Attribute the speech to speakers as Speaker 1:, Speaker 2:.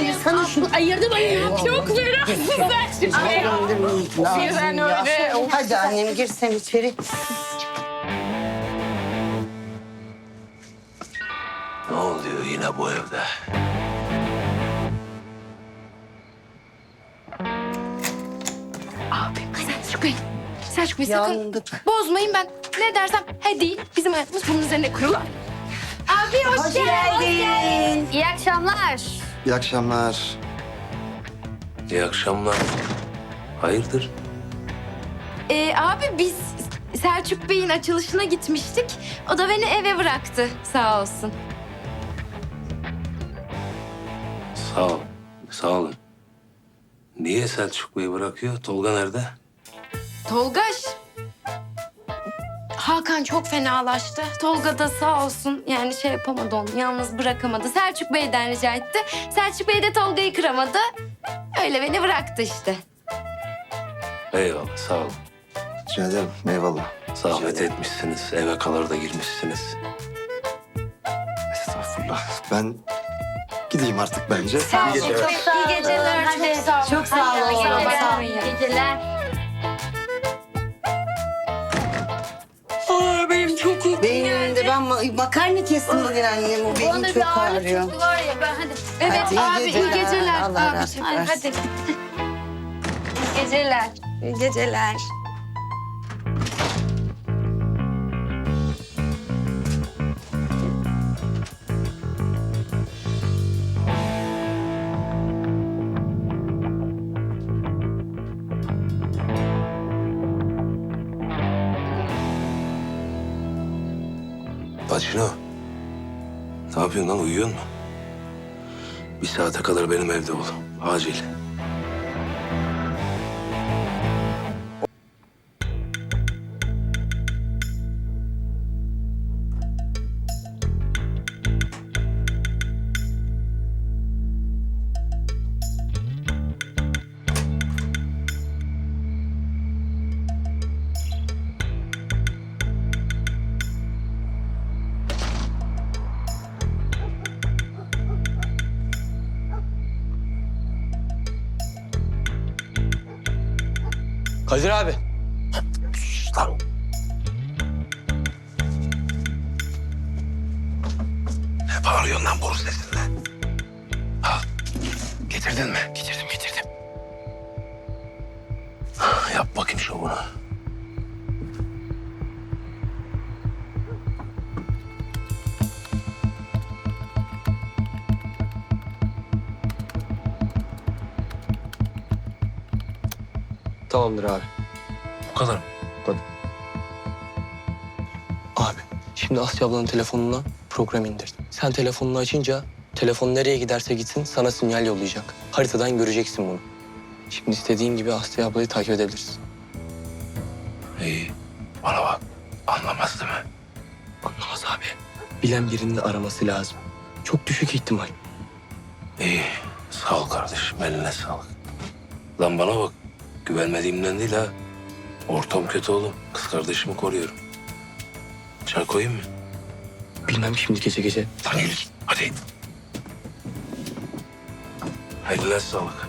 Speaker 1: Sana şunu ayırdım ayırdım.
Speaker 2: Çok ferahlısın sen şimdi. Birden öyle.
Speaker 1: Hadi annem gir sen içeri.
Speaker 3: Ne oluyor yine bu evde?
Speaker 2: Abi Selçuk Bey. Selçuk Bey sakın
Speaker 1: Yandık.
Speaker 2: bozmayın ben. Ne dersem he değil. Bizim hayatımız bunun üzerine kurulu. Abi hoş geldin.
Speaker 4: İyi akşamlar.
Speaker 5: İyi akşamlar.
Speaker 3: İyi akşamlar. Hayırdır?
Speaker 2: Abi biz Selçuk Bey'in açılışına gitmiştik. O da beni eve bıraktı sağ olsun.
Speaker 3: Sağ ol. Sağ olun. Niye Selçuk Bey'i bırakıyor? Tolga nerede?
Speaker 2: Tolgaş. Hakan çok fenalaştı. Tolga da sağ olsun yani şey yapamadı onu. Yalnız bırakamadı. Selçuk Bey'den rica etti. Selçuk Bey de Tolga'yı kıramadı. Öyle beni bıraktı işte.
Speaker 3: Eyvallah sağ olun.
Speaker 5: Rica ederim. Eyvallah.
Speaker 3: Zahmet etmişsiniz. Eve kadar da girmişsiniz.
Speaker 5: Estağfurullah. Ben gideyim artık bence.
Speaker 4: Sağ olun.
Speaker 5: İyi geceler.
Speaker 4: İyi geceler.
Speaker 2: Çok sağ olun.
Speaker 1: Çok sağ ol oğlum. Sağ ol.
Speaker 4: İyi geceler.
Speaker 2: Benim çok uykum
Speaker 1: Benim de ben makarna kestim bugün annem. O benim çok ağrıyor.
Speaker 4: Var ya ben hadi.
Speaker 2: Evet
Speaker 1: Hadi, iyi
Speaker 2: abi iyi
Speaker 1: geceler.
Speaker 2: geceler.
Speaker 1: Allah
Speaker 2: Abi,
Speaker 1: rahatlık
Speaker 2: hadi.
Speaker 1: versin.
Speaker 4: İyi geceler.
Speaker 2: İyi geceler.
Speaker 3: Bacino. Ne yapıyorsun lan? Uyuyor musun? Bir saate kadar benim evde ol. Acil.
Speaker 6: Kadir abi.
Speaker 3: Şşş lan. Ne bağırıyorsun lan boru sesinle? Al. Getirdin mi? Getirdim. Yap bakayım şovunu.
Speaker 6: Tamamdır abi.
Speaker 3: Bu kadar mı?
Speaker 6: Abi şimdi Asya ablanın telefonuna program indirdim. Sen telefonunu açınca telefon nereye giderse gitsin sana sinyal yollayacak. Haritadan göreceksin bunu. Şimdi istediğin gibi Asya ablayı takip edebilirsin.
Speaker 3: İyi. Bana bak. Anlamaz değil mi?
Speaker 6: Anlamaz abi. Bilen birinin araması lazım. Çok düşük ihtimal.
Speaker 3: İyi. Sağ ol kardeşim. Eline sağlık. Lan bana bak. Güvenmediğimden değil ha. Ortam kötü oğlum. Kız kardeşimi koruyorum. Çay koyayım mı?
Speaker 6: Bilmem şimdi gece.
Speaker 3: Lan yürü. Hadi. Eline sağlık.